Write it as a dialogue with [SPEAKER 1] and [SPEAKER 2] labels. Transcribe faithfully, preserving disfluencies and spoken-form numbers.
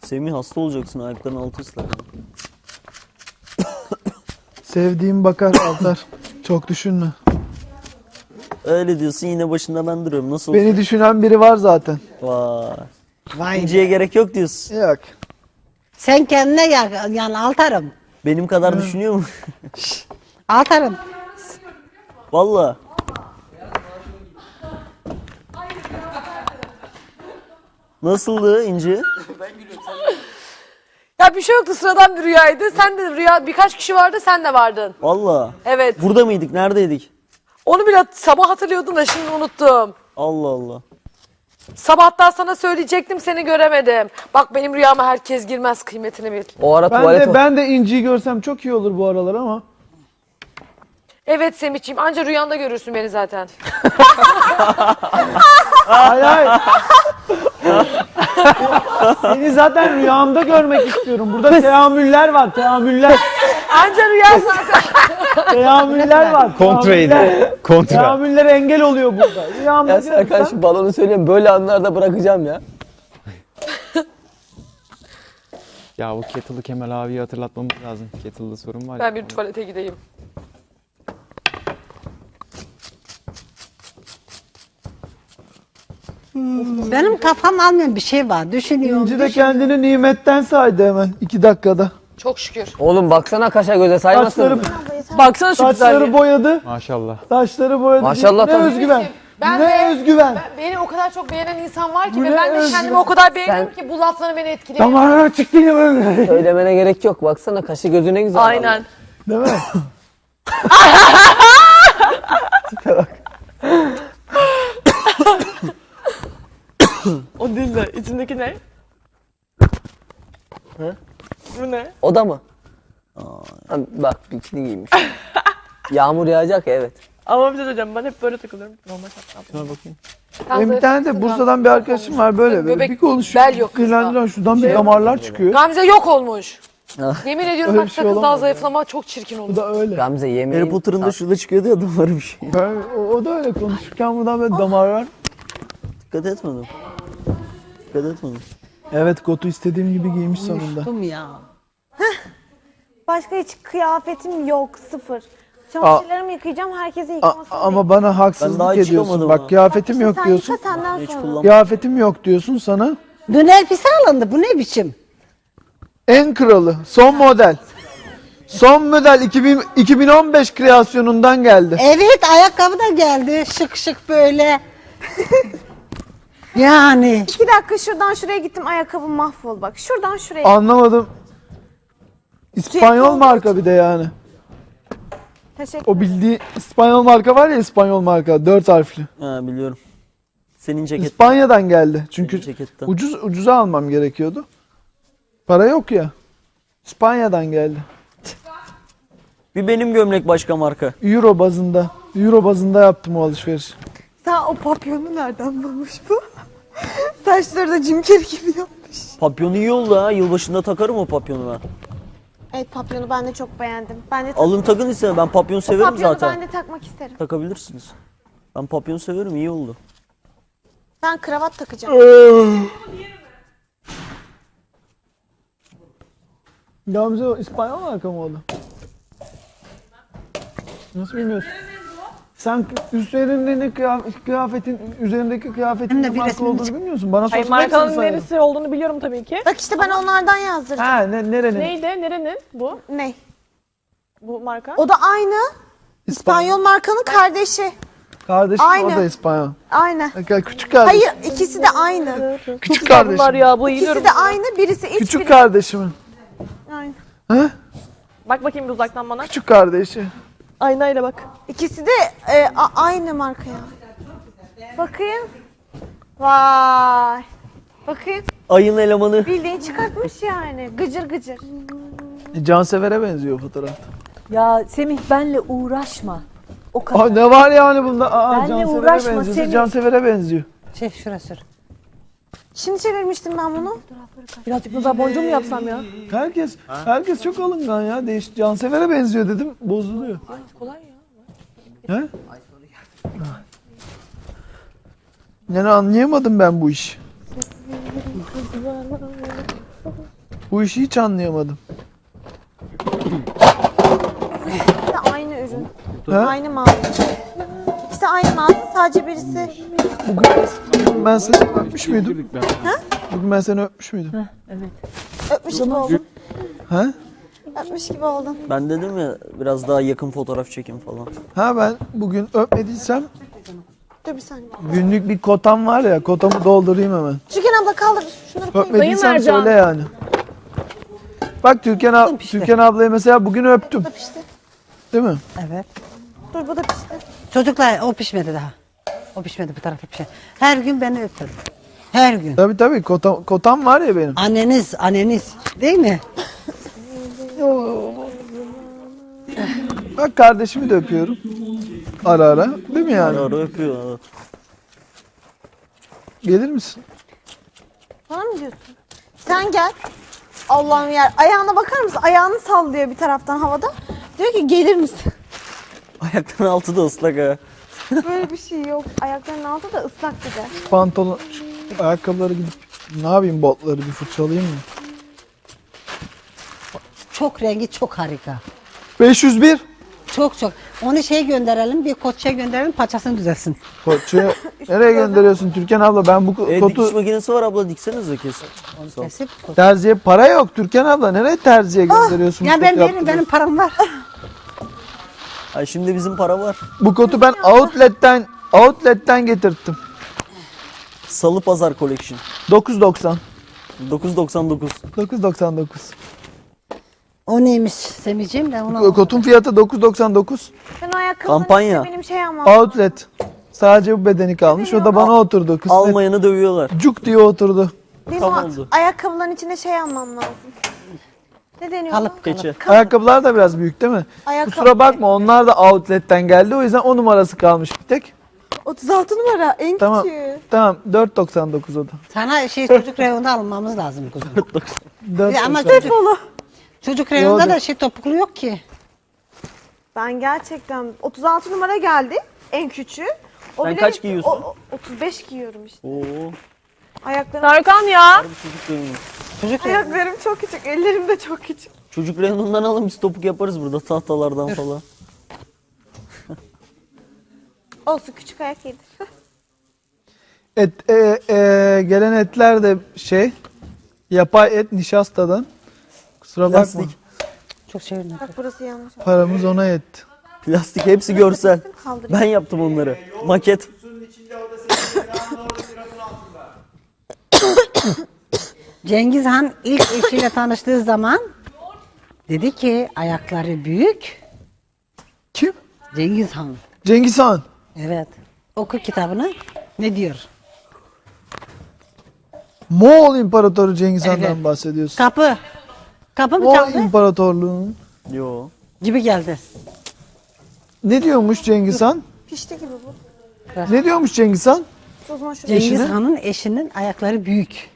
[SPEAKER 1] Semih hasta olacaksın, ayakların altı ıslak.
[SPEAKER 2] Sevdiğim bakar Altar. Çok düşünme.
[SPEAKER 1] Öyle diyorsun, yine başında ben duruyorum. Nasıl
[SPEAKER 2] Beni düşünen biri var zaten.
[SPEAKER 1] Vay.
[SPEAKER 3] Vay
[SPEAKER 1] İnciye
[SPEAKER 3] be.
[SPEAKER 1] gerek yok diyorsun.
[SPEAKER 2] Yok.
[SPEAKER 3] Sen kendine gel, yani Altarım.
[SPEAKER 1] Benim kadar düşünüyor mu?
[SPEAKER 3] Altarım.
[SPEAKER 1] Valla. Nasıldı İnci?
[SPEAKER 4] Ya bir şey yoktu, sıradan bir rüyaydı. Sen de rüya, birkaç kişi vardı, sen de vardın.
[SPEAKER 1] Valla.
[SPEAKER 4] Evet.
[SPEAKER 1] Burada mıydık? Neredeydik?
[SPEAKER 4] Onu bile sabah hatırlıyordum da şimdi unuttum.
[SPEAKER 1] Allah Allah.
[SPEAKER 4] Sabahtan sana söyleyecektim, seni göremedim. Bak benim rüyama herkes girmez, kıymetini bil.
[SPEAKER 5] O ara
[SPEAKER 2] Ben
[SPEAKER 5] tuvalet
[SPEAKER 2] de ben de İnci'yi görsem çok iyi olur bu aralar ama.
[SPEAKER 4] Evet Semihciğim, anca rüyanda görürsün beni zaten.
[SPEAKER 2] Hayır hayır. Seni zaten rüyamda görmek istiyorum. Burada teamüller var, teamüller.
[SPEAKER 4] Anca rüya zaten.
[SPEAKER 2] Teamüller var.
[SPEAKER 6] Kontraydı.
[SPEAKER 2] Teamüller.
[SPEAKER 6] Kontra.
[SPEAKER 2] Teamüller engel oluyor burada. Rüyamda
[SPEAKER 5] Ya Serkan
[SPEAKER 2] görürsem.
[SPEAKER 5] şu balonu söyleyeyim, böyle anlarda bırakacağım ya.
[SPEAKER 6] Ya bu kettle'ı Kemal abiye hatırlatmamız lazım. Kettle'da sorun var ya.
[SPEAKER 4] Ben bir tuvalete gideyim.
[SPEAKER 3] Benim kafam almayan bir şey var. Düşünüyorum.
[SPEAKER 2] İnci de
[SPEAKER 3] düşünüyorum.
[SPEAKER 2] kendini nimetten saydı hemen iki dakikada.
[SPEAKER 4] Çok şükür.
[SPEAKER 5] Oğlum baksana kaşa göze saymasın
[SPEAKER 2] Saçları,
[SPEAKER 5] mı?
[SPEAKER 4] Baksana şu
[SPEAKER 2] saçları
[SPEAKER 4] güzelliğe.
[SPEAKER 2] boyadı.
[SPEAKER 6] Maşallah.
[SPEAKER 2] Saçları boyadı.
[SPEAKER 5] Maşallah
[SPEAKER 2] Ne
[SPEAKER 5] tabii.
[SPEAKER 2] özgüven.
[SPEAKER 4] Ben
[SPEAKER 2] ne
[SPEAKER 4] de-
[SPEAKER 2] özgüven.
[SPEAKER 4] Beni o kadar çok beğenen insan var ki
[SPEAKER 2] Bu
[SPEAKER 4] ve
[SPEAKER 2] ne
[SPEAKER 4] ben de
[SPEAKER 2] özgür.
[SPEAKER 4] kendimi o kadar beğendim
[SPEAKER 5] Sen-
[SPEAKER 4] ki bu lafları beni etkiliyor.
[SPEAKER 2] Damarına çıktı ya böyle.
[SPEAKER 5] Söylemene gerek yok. Baksana kaşı gözü ne güzel.
[SPEAKER 4] Aynen.
[SPEAKER 2] Değil mi?
[SPEAKER 4] O değil de içindeki ne?
[SPEAKER 5] He?
[SPEAKER 4] Bu ne?
[SPEAKER 5] O da mı? Ha, bak bikini giymiş. Yağmur yağacak ya, evet.
[SPEAKER 4] Ama bir şey söyleyeceğim, ben hep böyle takılıyorum. Normal şartlarda.
[SPEAKER 5] Şuna bakayım.
[SPEAKER 2] Benim bir tane de Bursa'dan bir arkadaşım var böyle. böyle.
[SPEAKER 4] Göbek,
[SPEAKER 2] bir konuşuyor.
[SPEAKER 4] bel yok kızda.
[SPEAKER 2] Kırlandıran şuradan bir damarlar çıkıyor.
[SPEAKER 4] Gamze yok olmuş. Yemin ediyorum
[SPEAKER 2] Öyle
[SPEAKER 4] bak
[SPEAKER 2] bir şey
[SPEAKER 4] sakın daha
[SPEAKER 2] olamaz
[SPEAKER 4] zayıflama, çok çirkin
[SPEAKER 2] Bu
[SPEAKER 4] olur.
[SPEAKER 2] da öyle.
[SPEAKER 5] Gamze
[SPEAKER 1] Harry
[SPEAKER 5] yemeğin...
[SPEAKER 1] Potter'ın da şurada çıkıyordu ya damarı bir şey.
[SPEAKER 2] Ben- o, o da öyle konuşurken buradan böyle damarlar.
[SPEAKER 1] Dikkat etmedim. Dikkat etmedim.
[SPEAKER 2] Evet, kotu istediğim gibi giymiş sonunda.
[SPEAKER 3] Uyuştum ya.
[SPEAKER 7] Başka hiç kıyafetim yok, sıfır. Çamaşırlarımı yıkayacağım, herkese
[SPEAKER 2] A-
[SPEAKER 7] yıkamasını
[SPEAKER 2] ama bana
[SPEAKER 1] Ben daha
[SPEAKER 2] haksızlık
[SPEAKER 1] hiç
[SPEAKER 2] ediyorsun.
[SPEAKER 1] çıkamadım
[SPEAKER 2] Bak
[SPEAKER 1] ha.
[SPEAKER 2] kıyafetim yok
[SPEAKER 7] sen
[SPEAKER 2] diyorsun.
[SPEAKER 7] yıka senden
[SPEAKER 1] Hiç
[SPEAKER 7] sonra.
[SPEAKER 1] kullanmadım.
[SPEAKER 2] Kıyafetim yok diyorsun sana.
[SPEAKER 3] Dün elbise alındı. Bu ne biçim?
[SPEAKER 2] En kralı, son model. Son model iki bin, iki bin on beş kreasyonundan geldi.
[SPEAKER 3] Evet, ayakkabı da geldi. Şık şık böyle. Yani.
[SPEAKER 7] İki dakika şuradan şuraya gittim, ayakkabım mahvol bak. Şuradan şuraya.
[SPEAKER 2] Anlamadım. İspanyol marka bir de yani.
[SPEAKER 7] Teşekkür
[SPEAKER 2] O bildiği İspanyol marka var ya, İspanyol marka dört harfli.
[SPEAKER 1] Ha biliyorum. Senin ceket.
[SPEAKER 2] İspanya'dan geldi. Çünkü
[SPEAKER 1] Senin ceketten.
[SPEAKER 2] ucuz ucuza almam gerekiyordu. Para yok ya. İspanya'dan geldi.
[SPEAKER 1] Bir benim gömlek başka marka.
[SPEAKER 2] Euro bazında. Euro bazında yaptım o alışveriş.
[SPEAKER 7] Sen o papyonu nereden bulmuş bu? Saçları da Jim Carrey gibi yapmış.
[SPEAKER 1] Papyonu iyi oldu ha. Yılbaşında takarım o papyonu ben.
[SPEAKER 7] Evet, papyonu ben de çok beğendim. Ben de
[SPEAKER 1] Alın takın ise ben papyon severim
[SPEAKER 7] papyonu
[SPEAKER 1] zaten.
[SPEAKER 7] ben de takmak isterim.
[SPEAKER 1] Takabilirsiniz. Ben papyon severim, iyi oldu.
[SPEAKER 7] Ben kravat takacağım.
[SPEAKER 2] Gamze o İspanyol marka mı oldu? Nasıl bilmiyorsun? Sen üzerindeki kıyafetin, kıyafetin üzerindeki kıyafetin
[SPEAKER 3] Hem
[SPEAKER 2] ne
[SPEAKER 3] de bir
[SPEAKER 2] marka
[SPEAKER 3] resmini
[SPEAKER 2] olduğunu
[SPEAKER 3] çık-
[SPEAKER 2] bilmiyorsun. Bana
[SPEAKER 4] Hayır,
[SPEAKER 2] sorsan hepsini
[SPEAKER 4] markanın
[SPEAKER 2] sayarım.
[SPEAKER 4] neresi olduğunu biliyorum tabii ki.
[SPEAKER 7] Bak işte ben onlardan yazdıracağım.
[SPEAKER 2] Ha ne, nerenin?
[SPEAKER 4] Neydi? Nerenin bu?
[SPEAKER 7] Ne?
[SPEAKER 4] Bu marka?
[SPEAKER 7] O da aynı. İspanyol markanın kardeşi.
[SPEAKER 2] Kardeşim
[SPEAKER 7] Aynı.
[SPEAKER 2] o da İspanyol.
[SPEAKER 7] Aynı.
[SPEAKER 2] Küçük kardeşim.
[SPEAKER 7] Hayır, ikisi de aynı.
[SPEAKER 2] Küçük
[SPEAKER 4] Bunlar
[SPEAKER 2] kardeşim.
[SPEAKER 4] ya, bu yiyorum.
[SPEAKER 7] İkisi de aynı. Birisi iç,
[SPEAKER 2] Küçük
[SPEAKER 7] birisi
[SPEAKER 2] kardeşimin.
[SPEAKER 7] aynı.
[SPEAKER 2] Ha?
[SPEAKER 4] Bak bakayım bir uzaktan bana.
[SPEAKER 2] Küçük kardeşi.
[SPEAKER 4] Aynayla bak.
[SPEAKER 7] İkisi de e, a- aynı marka ya. Bakayım. Vay. Bakayım.
[SPEAKER 1] Ayın elemanı.
[SPEAKER 7] Bildiğin çıkartmış yani. Gıcır gıcır.
[SPEAKER 2] E, Cansever'e benziyor fotoğrafta.
[SPEAKER 8] Ya Semih benle uğraşma. O kadar.
[SPEAKER 2] Aa, ne var yani bunda? Aa,
[SPEAKER 8] Benle
[SPEAKER 2] Cansever'e
[SPEAKER 8] uğraşma,
[SPEAKER 2] benziyorsa
[SPEAKER 8] Semih.
[SPEAKER 2] Cansever'e benziyor.
[SPEAKER 3] Şey şurası. sür.
[SPEAKER 7] Şimdi çevirmiştim ben bunu.
[SPEAKER 4] Birazcık nazar boncuğu mu yapsam ya?
[SPEAKER 2] Herkes herkes çok alıngan ya. Değiş Cansever'e benziyor dedim. Bozuluyor.
[SPEAKER 4] Kolay ya.
[SPEAKER 2] He? Yani anlayamadım ben bu işi. Bu işi hiç anlayamadım.
[SPEAKER 7] İkisi de aynı ürün.
[SPEAKER 2] Ha?
[SPEAKER 7] Aynı mağaza. İkisi aynı mağaza, sadece birisi...
[SPEAKER 2] Bugün ben seni öpmüş müydüm? Bugün ben seni öpmüş müydüm?
[SPEAKER 7] Öpmüş gibi oldun.
[SPEAKER 2] Ha?
[SPEAKER 7] Öpmüş gibi oldun.
[SPEAKER 1] Ben dedim ya biraz daha yakın fotoğraf çekin falan.
[SPEAKER 2] Ha ben bugün öpmediysem
[SPEAKER 7] Dur bir saniye.
[SPEAKER 2] günlük bir kotam var ya, kotamı doldurayım hemen.
[SPEAKER 7] Türkan abla kaldır. Şunları koyayım.
[SPEAKER 2] Öpmediysem söyle yani. Bak Türkan, ab Türkan ablayı mesela bugün öptüm.
[SPEAKER 7] Bu da pişti.
[SPEAKER 2] Değil mi?
[SPEAKER 3] Evet.
[SPEAKER 7] Dur bu da pişti.
[SPEAKER 3] Çocuklar o pişmedi daha. O pişmedi, bu tarafı pişmedi. Her gün beni öptür. Her gün.
[SPEAKER 2] Tabii tabii kotam, kotam var ya benim.
[SPEAKER 3] Anneniz, anneniz değil mi?
[SPEAKER 2] Bak kardeşimi de öpüyorum. Ara ara. Değil mi yani?
[SPEAKER 1] Ara ara öpüyor. Evet.
[SPEAKER 2] Gelir misin?
[SPEAKER 7] Bana mı diyorsun? Sen gel. Allah'ım yer. Ayağına bakar mısın? Ayağını sallıyor bir taraftan havada. Diyor ki gelir misin?
[SPEAKER 1] Ayakların altı da ıslak ha.
[SPEAKER 7] Böyle bir şey yok. Ayaklarının altı da ıslak bir de.
[SPEAKER 2] Pantolon, şu ayakkabıları gidip ne yapayım, botları bir fırçalayayım mı?
[SPEAKER 3] Çok rengi çok harika.
[SPEAKER 2] beş yüz bir.
[SPEAKER 3] Çok çok. Onu şey gönderelim, bir koçya gönderelim, paçasını düzelsin.
[SPEAKER 2] Koçuya nereye gönderiyorsun Türkan abla? Ben bu
[SPEAKER 1] E,
[SPEAKER 2] kotu
[SPEAKER 1] dikiş makinesi var abla diksenize kesin. Sağ ol.
[SPEAKER 3] Kesip koç-
[SPEAKER 2] terziye para yok Türkan abla. Nereye terziye gönderiyorsun?
[SPEAKER 3] Ya
[SPEAKER 2] bu
[SPEAKER 3] ben
[SPEAKER 2] kotu
[SPEAKER 3] veririm,
[SPEAKER 2] yaptırıyorsun?
[SPEAKER 3] benim param var.
[SPEAKER 1] Ay şimdi bizim para var.
[SPEAKER 2] Bu kotu ben outlet'ten outlet'ten getirttim.
[SPEAKER 1] Salı Pazar Collection.
[SPEAKER 2] dokuz doksan.
[SPEAKER 1] dokuz doksan dokuz.
[SPEAKER 2] dokuz doksan dokuz.
[SPEAKER 3] O neymiş Semihciğim, ben onu
[SPEAKER 2] Kotun fiyatı dokuz doksan dokuz.
[SPEAKER 7] Ben o ayakkabının
[SPEAKER 1] Kampanya.
[SPEAKER 7] içine benim şey almam.
[SPEAKER 2] Outlet. Sadece bu bedeni kalmış. O da bana oturdu. Kısmet.
[SPEAKER 1] Almayanı dövüyorlar.
[SPEAKER 2] Cuk diye oturdu.
[SPEAKER 7] Benim
[SPEAKER 1] Tam
[SPEAKER 7] o
[SPEAKER 1] oldu.
[SPEAKER 7] ayakkabıların içine şey almam lazım. Ne deniyor?
[SPEAKER 3] kalıp
[SPEAKER 7] ona?
[SPEAKER 3] kalıp.
[SPEAKER 1] Keçi.
[SPEAKER 2] Ayakkabılar da biraz büyük değil mi?
[SPEAKER 7] Ayakkabı-
[SPEAKER 2] Kusura bakma, onlar da outlet'ten geldi. O yüzden o numarası kalmış bir tek.
[SPEAKER 7] otuz altı numara en
[SPEAKER 2] Tamam.
[SPEAKER 7] küçüğü.
[SPEAKER 2] Tamam, dört doksan dokuz o da.
[SPEAKER 3] Sana şey çocuk reyonunda almamız lazım kuzum.
[SPEAKER 2] dört
[SPEAKER 3] Ya ama
[SPEAKER 2] doksan.
[SPEAKER 3] çocuk, çocuk reyonunda da şey topuklu yok ki.
[SPEAKER 7] Ben gerçekten otuz altı numara geldi en küçüğü. O
[SPEAKER 1] Sen
[SPEAKER 7] bile-
[SPEAKER 1] kaç giyiyorsun?
[SPEAKER 7] O, o- otuz beş giyiyorum işte.
[SPEAKER 1] Oo.
[SPEAKER 7] Ayaklarım,
[SPEAKER 4] Tarkan ya.
[SPEAKER 1] Bu çocuk reyonu.
[SPEAKER 3] Çocuk reyonu.
[SPEAKER 7] ayaklarım çok küçük, ellerim de çok küçük.
[SPEAKER 1] Çocuk reyonundan alın biz topuk yaparız burada tahtalardan falan.
[SPEAKER 7] Olsun, küçük ayak iyidir.
[SPEAKER 2] Et, e, e, gelen etler de şey, yapay et nişastadan. Kusura bakma.
[SPEAKER 1] Plastik.
[SPEAKER 3] Çok çevirme.
[SPEAKER 7] Bak burası yanlış.
[SPEAKER 2] Paramız ona yetti.
[SPEAKER 1] Plastik hepsi görsel.
[SPEAKER 7] Kaldırayım.
[SPEAKER 1] Ben yaptım onları. Maket.
[SPEAKER 3] Cengiz Han ilk eşiyle tanıştığı zaman dedi ki ayakları büyük.
[SPEAKER 2] Kim?
[SPEAKER 3] Cengiz Han.
[SPEAKER 2] Cengiz Han.
[SPEAKER 3] Evet. Oku kitabını. Ne diyor?
[SPEAKER 2] Moğol İmparatoru Cengiz Han'dan
[SPEAKER 3] Evet.
[SPEAKER 2] bahsediyorsun.
[SPEAKER 3] Kapı. Kapı mı
[SPEAKER 2] Moğol
[SPEAKER 3] çaldı?
[SPEAKER 2] İmparatorluğu'nun.
[SPEAKER 1] Yo.
[SPEAKER 3] Gibi geldi.
[SPEAKER 2] Ne diyormuş Cengiz Han?
[SPEAKER 7] Pişti gibi bu.
[SPEAKER 2] Ne diyormuş Cengiz Han?
[SPEAKER 7] O zaman şu
[SPEAKER 3] Cengiz
[SPEAKER 2] Eşine?
[SPEAKER 3] Han'ın eşinin ayakları büyük.